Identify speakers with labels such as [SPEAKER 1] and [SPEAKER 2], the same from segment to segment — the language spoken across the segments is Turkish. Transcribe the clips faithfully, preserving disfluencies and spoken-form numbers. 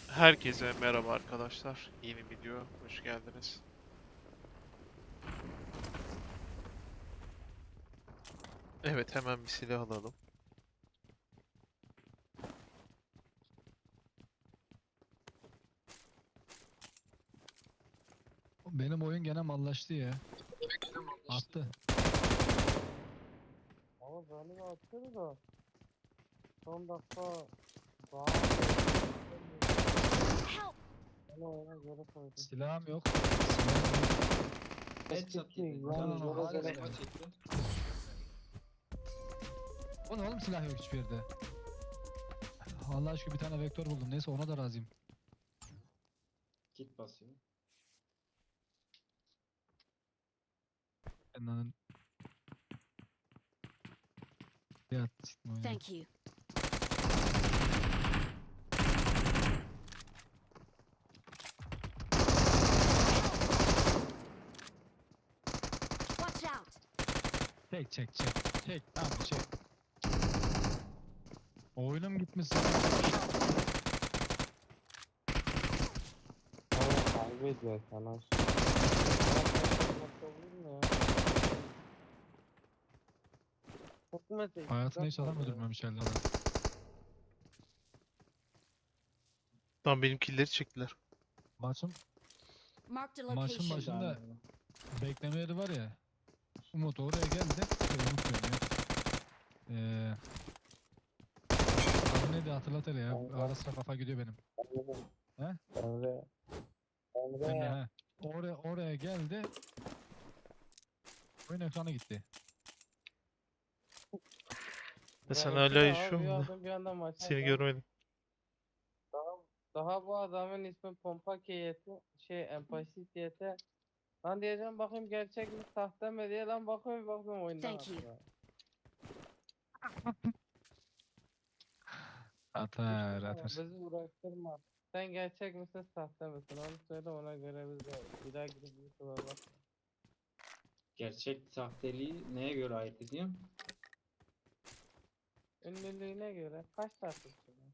[SPEAKER 1] Herkese merhaba arkadaşlar. Yeni video hoş geldiniz. Evet, hemen bir silah alalım.
[SPEAKER 2] Benim oyun gene mallaştı ya. Attı.
[SPEAKER 3] Ama galiba atıyor da son dakika daha
[SPEAKER 4] Help!
[SPEAKER 3] onu oyuna göre koydum.
[SPEAKER 2] Silahım yok. Silahım yok.
[SPEAKER 5] Headshot
[SPEAKER 3] Eski,
[SPEAKER 5] yedi.
[SPEAKER 3] yani
[SPEAKER 5] Canım
[SPEAKER 2] göre
[SPEAKER 5] hala
[SPEAKER 2] göre.
[SPEAKER 5] elma çekti.
[SPEAKER 2] O ne oğlum, silah yok hiçbir yerde. Allah aşkına bir tane vektör buldum. Neyse ona da razıyım.
[SPEAKER 5] Kit basıyor.
[SPEAKER 2] Benden ya siktim oyunu.
[SPEAKER 4] Thank you. Watch out!
[SPEAKER 2] Çek çek çek. Çek tamam çek. Oyunum gitmiş.
[SPEAKER 3] Evet kaybediyor sana.
[SPEAKER 2] Hayatında hiç adam öldürmemiş elde.
[SPEAKER 1] Tam benim killleri çektiler.
[SPEAKER 2] Maçın,
[SPEAKER 4] Marked a
[SPEAKER 2] maçın
[SPEAKER 4] location.
[SPEAKER 2] başında bekleme yeri var ya. Umut oraya geldi. Şey, Umut diyorum ya. Eee... Adı neydi hatırlat hele ya. Ara sıra kafa gidiyor benim. He?
[SPEAKER 3] Emre.
[SPEAKER 2] Emre
[SPEAKER 3] Emre.
[SPEAKER 2] he. Oraya, oraya geldi. Oyun ekranı gitti.
[SPEAKER 1] Ve sen
[SPEAKER 3] Ya
[SPEAKER 1] hala
[SPEAKER 3] iki de abi,
[SPEAKER 1] yaşıyor
[SPEAKER 3] bir
[SPEAKER 1] musun?
[SPEAKER 3] adam bir anda maça
[SPEAKER 1] Seni
[SPEAKER 3] geldi.
[SPEAKER 1] görmedim.
[SPEAKER 3] Daha, daha bu adamın ismi Pompa Keyeti. Şey empati Keyeti. Lan diyeceğim bakayım gerçek mi sahte mi diye lan bakıyorum bakıyorum oyundan
[SPEAKER 4] Thank you.
[SPEAKER 3] atıyor.
[SPEAKER 2] Atar
[SPEAKER 3] Ama
[SPEAKER 2] atar.
[SPEAKER 3] bizi uğraştırma. Sen gerçek misin sahte misin onu söyle ona göre biz de bir daha gidip YouTube'a bak.
[SPEAKER 5] Gerçek sahteliği neye göre ait ediyor?
[SPEAKER 3] Ünlülüğüne göre kaç takipçi var?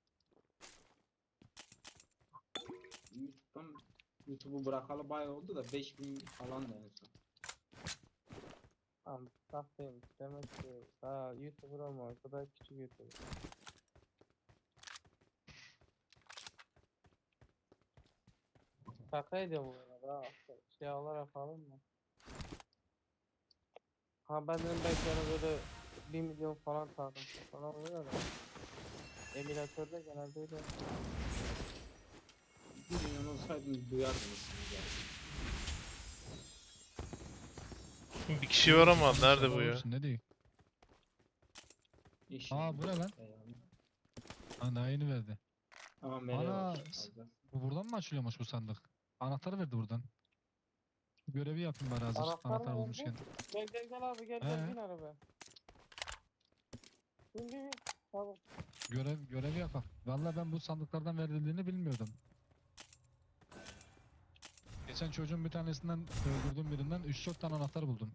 [SPEAKER 5] YouTube'dan YouTube'u bırakalı bayağı oldu da beş bin falan da en son.
[SPEAKER 3] Tamam sahteymiş demek ki daha YouTuber olmamış bu da küçük YouTuber. Şakaydı bu arada ha. Şey olarak alın mı? Ha ben dedim belki yani böyle bir milyon falan takipçi falan oluyor da. Emülatörde genelde öyle.
[SPEAKER 5] Bir milyon olsaydınız duyardınız yani.
[SPEAKER 1] Bir kişi var ama nerede bu ya?
[SPEAKER 2] Olursun, ne diyor?
[SPEAKER 5] İnşallah.
[SPEAKER 2] Aa, bu ne lan?
[SPEAKER 5] Yani.
[SPEAKER 2] Ha, daha yeni verdi.
[SPEAKER 5] Ama mere
[SPEAKER 2] Ana,
[SPEAKER 5] var.
[SPEAKER 2] s-
[SPEAKER 5] fazla.
[SPEAKER 2] Bu buradan mı açılıyormuş bu sandık? Anahtarı verdi buradan. Görevi yapayım bari hazır.
[SPEAKER 3] Anahtar
[SPEAKER 2] Anahtar
[SPEAKER 3] mı
[SPEAKER 2] bulmuşken.
[SPEAKER 3] verdi? Gel gel gel abi gel gel
[SPEAKER 2] He.
[SPEAKER 3] bin arabaya. Bin bin bin. Tamam.
[SPEAKER 2] Görev, görevi yapak. Vallahi ben bu sandıklardan verildiğini bilmiyordum. Geçen çocuğun bir tanesinden öldürdüğüm birinden üç dört tane anahtar buldum.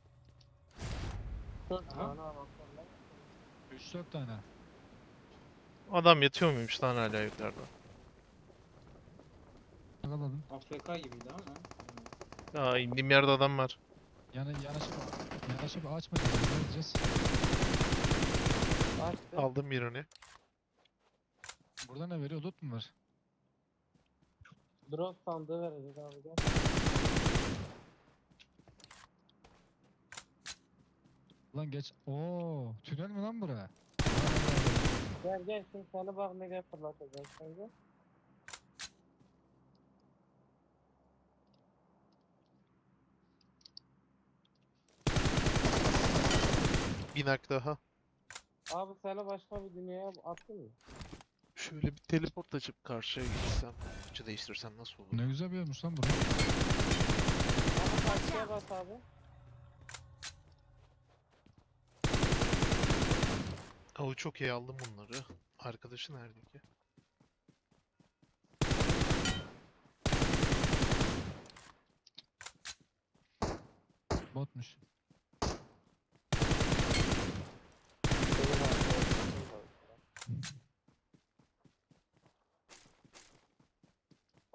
[SPEAKER 3] Dört
[SPEAKER 5] Aha.
[SPEAKER 3] tane anahtar lan.
[SPEAKER 2] üç dört tane.
[SPEAKER 1] Adam yatıyor muymuş lan hala yukarıda?
[SPEAKER 2] Yakaladım.
[SPEAKER 5] A F K gibiydi ama.
[SPEAKER 1] Aa, indiğim yerde adam var.
[SPEAKER 2] Yani yanaşıp yanaşıp açmadı. Ne diyeceğiz?
[SPEAKER 3] Açtı.
[SPEAKER 1] Aldım birini.
[SPEAKER 2] Burada ne veriyor? Loot mu var?
[SPEAKER 3] Drop sandığı verecek abi gel.
[SPEAKER 2] Lan geç. Oo, tünel mi lan bura?
[SPEAKER 3] Gel gel şimdi sana bak nereye fırlatacak sence?
[SPEAKER 1] Bir nak daha.
[SPEAKER 3] Abi seni başka bir dünyaya attın mı?
[SPEAKER 1] Şöyle bir teleport açıp karşıya gitsem. Açı değiştirsem nasıl olur?
[SPEAKER 2] Ne güzel bir yermiş lan bura.
[SPEAKER 3] Abi karşıya bas abi.
[SPEAKER 1] Avu çok iyi aldım bunları. Arkadaşı nerede ki?
[SPEAKER 2] Botmuş.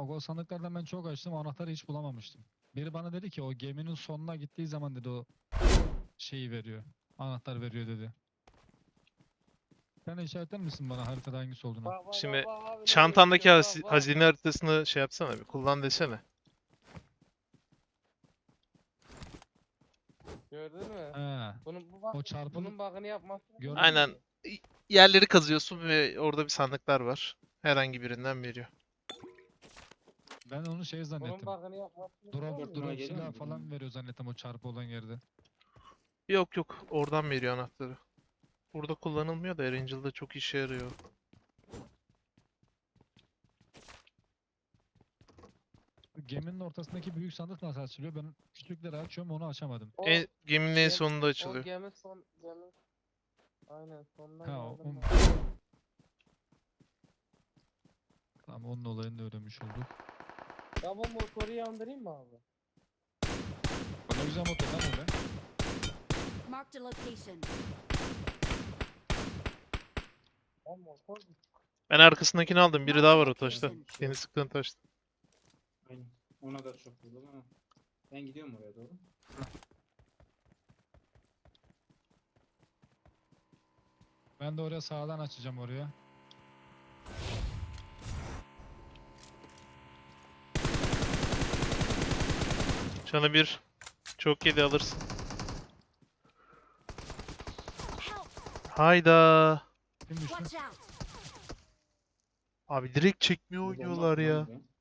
[SPEAKER 2] Bak o sandıklardan ben çok açtım, anahtarı hiç bulamamıştım. Biri bana dedi ki o geminin sonuna gittiği zaman dedi o şeyi veriyor. Anahtar veriyor dedi. Sen işaretler misin bana haritada hangisi olduğunu?
[SPEAKER 3] Bak bak
[SPEAKER 1] Şimdi
[SPEAKER 3] bak bak abi, ne
[SPEAKER 1] Çantandaki
[SPEAKER 3] geçiyor,
[SPEAKER 1] haz-
[SPEAKER 3] bak, bak.
[SPEAKER 1] hazine haritasını şey yapsana bir kullan desene.
[SPEAKER 3] Gördün mü?
[SPEAKER 2] He.
[SPEAKER 3] Bunun bu bak,
[SPEAKER 2] O çarpım-
[SPEAKER 3] bunun bakını yapmasını
[SPEAKER 2] Gördün mü?
[SPEAKER 1] Aynen. Yerleri kazıyorsun ve orada bir sandıklar var. Herhangi birinden veriyor.
[SPEAKER 2] Ben onu şey
[SPEAKER 3] Bunun
[SPEAKER 2] zannettim.
[SPEAKER 3] bakını yapmasını
[SPEAKER 2] Drop,
[SPEAKER 3] biliyor
[SPEAKER 5] Dört
[SPEAKER 3] musun?
[SPEAKER 5] numara
[SPEAKER 2] drop
[SPEAKER 5] geliyor
[SPEAKER 2] silah
[SPEAKER 5] mu?
[SPEAKER 2] falan veriyor zannettim o çarpı olan yerde.
[SPEAKER 1] Yok yok oradan veriyor anahtarı. Burada kullanılmıyor da Erangel'da çok işe yarıyor.
[SPEAKER 2] Geminin ortasındaki büyük sandık nasıl açılıyor? Ben küçükleri açıyorum, onu açamadım.
[SPEAKER 3] O,
[SPEAKER 1] En, geminin en
[SPEAKER 3] gem-
[SPEAKER 1] sonunda
[SPEAKER 3] o
[SPEAKER 1] açılıyor.
[SPEAKER 3] gemi son gemi. Aynen sonuna
[SPEAKER 2] Ha, o-
[SPEAKER 3] geldim
[SPEAKER 2] o-
[SPEAKER 3] ben.
[SPEAKER 2] Tamam, onun olayını da öğrenmiş olduk.
[SPEAKER 3] Ya bu motoru yandırayım mı abi?
[SPEAKER 2] Ne güzel motor lan öyle.
[SPEAKER 4] Marked a location.
[SPEAKER 3] Ya motor
[SPEAKER 1] Ben arkasındakini aldım. Biri daha var o taşta.
[SPEAKER 4] Location.
[SPEAKER 1] Seni sıktığın taşta.
[SPEAKER 5] Aynen. Ona da çok vurdum ama. Ben gidiyorum oraya doğru.
[SPEAKER 2] Ben de oraya sağdan açacağım oraya.
[SPEAKER 1] Canı bir. Çok yedi alırsın.
[SPEAKER 4] Help!
[SPEAKER 1] Hayda.
[SPEAKER 2] Kim düştü?
[SPEAKER 4] Watch out!
[SPEAKER 1] Abi direkt çekmiyor
[SPEAKER 5] Bir bomba
[SPEAKER 1] oynuyorlar
[SPEAKER 5] atmam
[SPEAKER 1] ya.
[SPEAKER 5] buraya.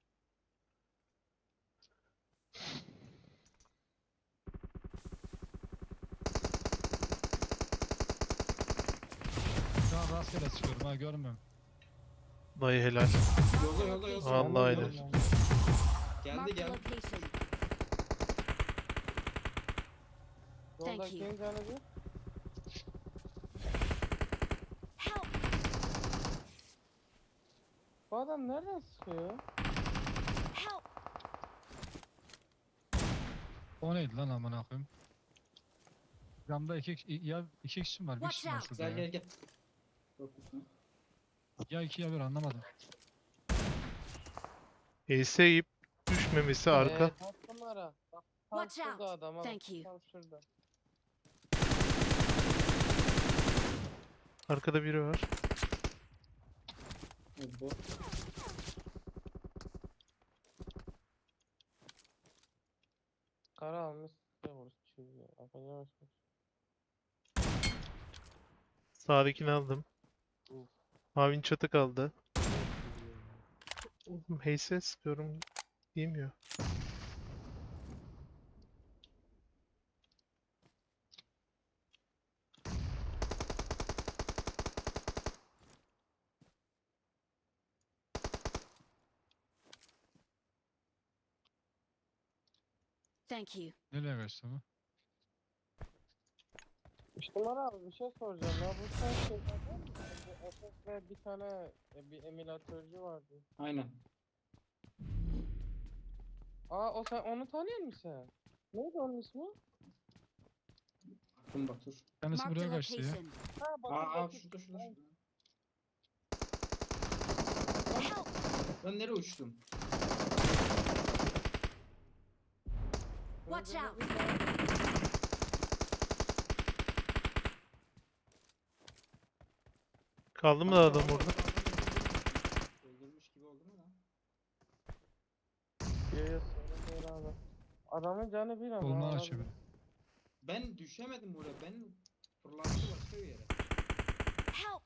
[SPEAKER 2] Şu an rastgele çıkıyorum ha, görmüyorum.
[SPEAKER 1] Dayı helal.
[SPEAKER 5] Yolda yolda yolda.
[SPEAKER 1] Vallahi
[SPEAKER 5] Yolda,
[SPEAKER 1] helal.
[SPEAKER 5] yolda. Geldi
[SPEAKER 4] Marked a
[SPEAKER 5] geldi.
[SPEAKER 4] location. Thank you.
[SPEAKER 3] yoldakinin canı bir.
[SPEAKER 4] Help!
[SPEAKER 3] Bu adam nereden sıkıyor?
[SPEAKER 4] Help!
[SPEAKER 2] O neydi lan amına koyayım? Camda iki kişi- ya iki kişi var, bir
[SPEAKER 4] Watch
[SPEAKER 2] kişi var
[SPEAKER 4] out.
[SPEAKER 2] şurada
[SPEAKER 5] Gel
[SPEAKER 2] ya.
[SPEAKER 5] gel gel. Korkutma.
[SPEAKER 2] Ya iki ya bir, anlamadım.
[SPEAKER 1] Ace yiyip düşmemesi arka.
[SPEAKER 3] Ee, kaç numara? Bak, tam
[SPEAKER 4] Watch
[SPEAKER 3] şurada
[SPEAKER 4] out.
[SPEAKER 3] adam. ha,
[SPEAKER 4] Thank you.
[SPEAKER 3] Tam şurada.
[SPEAKER 1] Arkada biri var.
[SPEAKER 5] O bot.
[SPEAKER 3] Kara almış. Ne vurur çocuğu. Yapacağım şey.
[SPEAKER 1] Sağdakini aldım.
[SPEAKER 3] Uf.
[SPEAKER 1] Mavin çatı kaldı. Oğlum Heyse sıkıyorum. Diyemiyor.
[SPEAKER 4] Thank you.
[SPEAKER 2] Nereye kaçtı bu?
[SPEAKER 3] İşte Umar abi bir şey soracağım ya. Bu sen şeylerden misin? Bu F F ve bir tane e, bir emülatörcü vardı.
[SPEAKER 5] Aynen.
[SPEAKER 3] Aa o sen onu tanıyor musun? Neydi onun ismi?
[SPEAKER 5] Akın Batur.
[SPEAKER 2] Kendisi
[SPEAKER 4] Marked a
[SPEAKER 2] buraya kaçtı ya.
[SPEAKER 3] Ha
[SPEAKER 4] location.
[SPEAKER 3] bak.
[SPEAKER 5] Aa, aa
[SPEAKER 3] bak-
[SPEAKER 5] şurada şurada şurada.
[SPEAKER 4] Help!
[SPEAKER 5] Ben nereye uçtum?
[SPEAKER 4] Watch
[SPEAKER 3] Öldürdü
[SPEAKER 4] out.
[SPEAKER 3] bir tane.
[SPEAKER 1] Kaldı mı adam orada?
[SPEAKER 5] Öldürmüş gibi oldum ama.
[SPEAKER 3] Yo yo sorun değil abi. Adamın canı bir ama.
[SPEAKER 2] Kolunu
[SPEAKER 3] abi.
[SPEAKER 2] açıyor.
[SPEAKER 5] Ben düşemedim oraya. Ben fırlattı başka bir yere.
[SPEAKER 4] Help!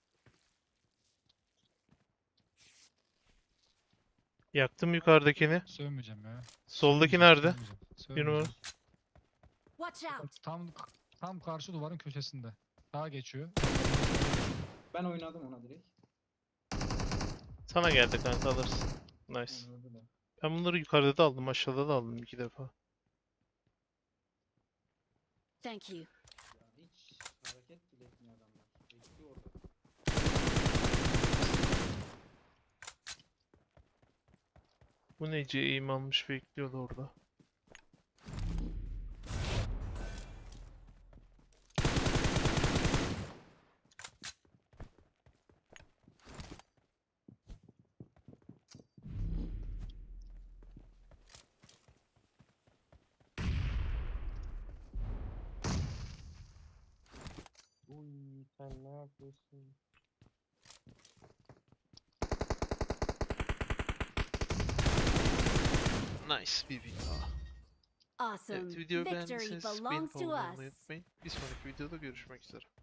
[SPEAKER 1] Yaktım yukarıdakini.
[SPEAKER 2] Sövmeyeceğim ya.
[SPEAKER 1] Soldaki
[SPEAKER 2] Sövmeyeceğim,
[SPEAKER 1] nerede?
[SPEAKER 2] sövmeyeceğim,
[SPEAKER 1] Bir numara.
[SPEAKER 2] sövmeyeceğim.
[SPEAKER 4] Watch out!
[SPEAKER 2] Tam tam karşı duvarın köşesinde. Sağa geçiyor.
[SPEAKER 5] Ben oynadım ona direkt.
[SPEAKER 1] Sana geldi kanka alırsın. Nice.
[SPEAKER 5] Onu öldüler.
[SPEAKER 1] Ben bunları yukarıda da aldım, aşağıda da aldım iki defa.
[SPEAKER 4] Thank you.
[SPEAKER 5] Ya hiç hareket bile etmiyor adamlar. Bekliyor orada.
[SPEAKER 1] Bu nece eğim almış bekliyordu orada.
[SPEAKER 3] Sen ne yapıyorsun?
[SPEAKER 1] Nice bir win daha.
[SPEAKER 4] Awesome.
[SPEAKER 1] Evet, videoyu
[SPEAKER 4] Victory
[SPEAKER 1] beğendiyseniz beğenip
[SPEAKER 4] belongs to
[SPEAKER 1] abone olmayı
[SPEAKER 4] us.
[SPEAKER 1] unutmayın. Bir sonraki videoda görüşmek üzere.